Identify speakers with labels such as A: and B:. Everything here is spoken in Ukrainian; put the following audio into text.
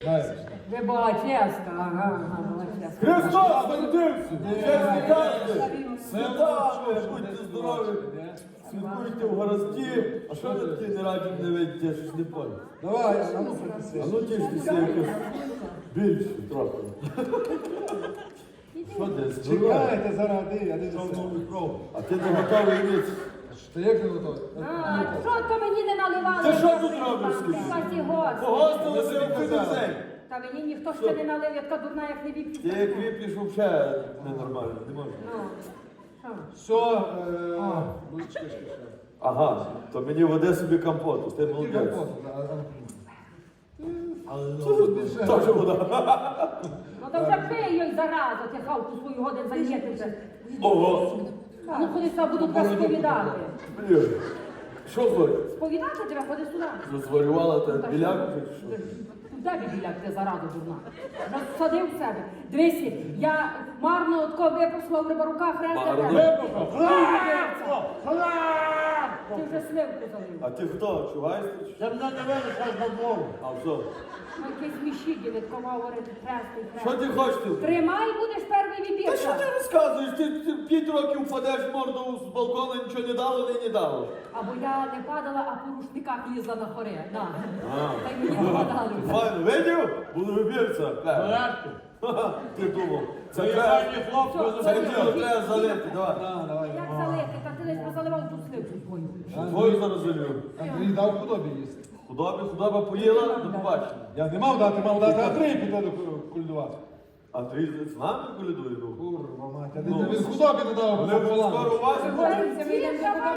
A: Вибаческа, ага, Вибаческа.
B: Христос народився! Чесні карти! Святами! Будьте здорові! Святкуйте в городські! А що ви такі не раді не видите, щось не понял?
C: Давай,
B: А ну тіштеся якось більше трохи. Що десь?
C: чекайте заради, я не знаю.
B: А ти не готовий ніц?
C: Ти як не готовий?
A: А, що то мені не наливали?
B: Ти що тут робиш, скажи?
A: Касі гості.
B: Погостилися в кудизень!
A: Та мені ніхто ще не налив, я така дурна, як не
B: Ти
A: вип'ю.
B: як вип'єш взагалі ненормально, не можна.
A: Ну, що?
C: Все, будь-чекай.
B: Ага, то мені води собі компоту, ти молодець. Теж вода.
A: Ну то вже пий їй заразу, ти хавку свою годин зайняти вже.
B: Ого!
A: А ну ходи сюди, буду тебе сповідати.
B: Блін. Що зварю?
A: Сповідати тебе, ходи сюди.
B: Зварювала та біляк?
A: Де біляк, ти заразу дурна? Розсадив в себе. Дивися, я марно отко випросила в рибарука хреста. Ти вже сливку залив.
B: А ти хто? Чуваєш?
C: Це мене не винесеш на двору.
B: А що?
A: Ну, якийсь міщі відкова говорити хрестий
B: Що
A: хрест.
B: ти хочеш? Ти?
A: Тримай, будеш перший
B: Та що
A: вибірка.
B: ти розказуєш? Ти 5 років впадеш морду з балкона, нічого не дало, не дало.
A: Або я не падала, а по рушниках лізла на хоре. На.
B: А.
A: Та й мені попадали.
B: Файно, видів? Буду вибірця.
C: Порядку.
B: Ха-ха, ти думав. Це
C: Це
B: треба,
C: файні хлопці.
B: це діло треба залити, давай.
C: Давай.
A: Як залити? Та ти десь позаливав ту сливку свою.
B: Твою зараз залю.
C: Андрій дав худобі їсти.
B: Худоба поїла, до побачення.
C: Я не мав дати, Андрій піти до кульдувати.
B: Андрій з нами колядує, ну.
C: Курва мать, а він худобі не дав.
B: Вони вже скоро у вас.
A: Говориться, ми йдемо